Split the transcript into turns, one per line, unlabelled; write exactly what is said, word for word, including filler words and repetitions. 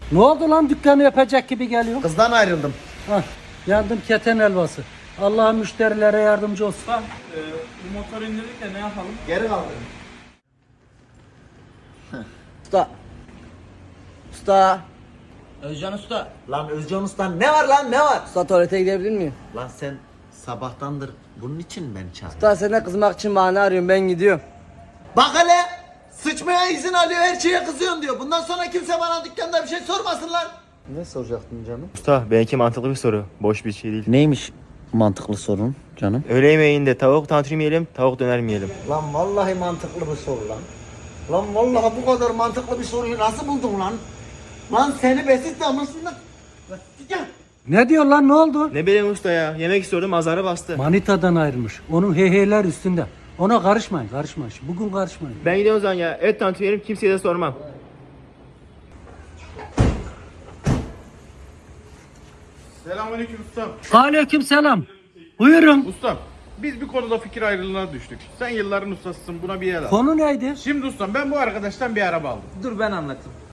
Ne oldu lan, dükkanı yapacak gibi geliyor?
Kızdan ayrıldım.
Hah, yandım keten helvası. Allah müşterilere yardımcı olsun.
Usta, e, bu motoru indirdik de ne yapalım?
Geri kaldırın.
Usta. Usta. Özcan Usta.
Lan Özcan Usta ne var lan ne var?
Usta tuvalete gidebilir miyim?
Lan sen sabahtandır bunun için ben çağırdım.
Usta senden kızmak için bahane arıyorum, ben gidiyorum.
Bak hele sıçmaya izin alıyor, her şeye kızıyorsun diyor. Bundan sonra kimse bana dükkanda bir şey sormasın lan. Ne soracaktın canım?
Usta benimki mantıklı bir soru. Boş bir şey değil.
Neymiş mantıklı sorun canım?
Öğle yemeğinde tavuk tantuni mi yiyelim, tavuk döner mi yiyelim?
Lan vallahi mantıklı bir soru lan. Lan vallahi bu kadar mantıklı bir soruyu nasıl buldun lan? Lan seni besit damlasından... Lan gel.
Ne diyor lan, ne oldu?
Ne bileyim usta ya. Yemek istiyordum, azara bastı.
Manitadan ayrılmış. Onun heyheyler üstünde. Ona karışmayın, karışmayın. Bugün karışmayın.
Ben gidiyorum o zaman ya. Et tantuni yiyelim, kimseye de sormam.
Selamünaleyküm ustam.
Aleyküm selam. Buyurun.
Ustam, biz bir konuda fikir ayrılığına düştük. Sen yılların ustasısın, buna bir yer al.
Konu neydi?
Şimdi ustam, ben bu arkadaştan bir araba aldım.
Dur ben anlatayım.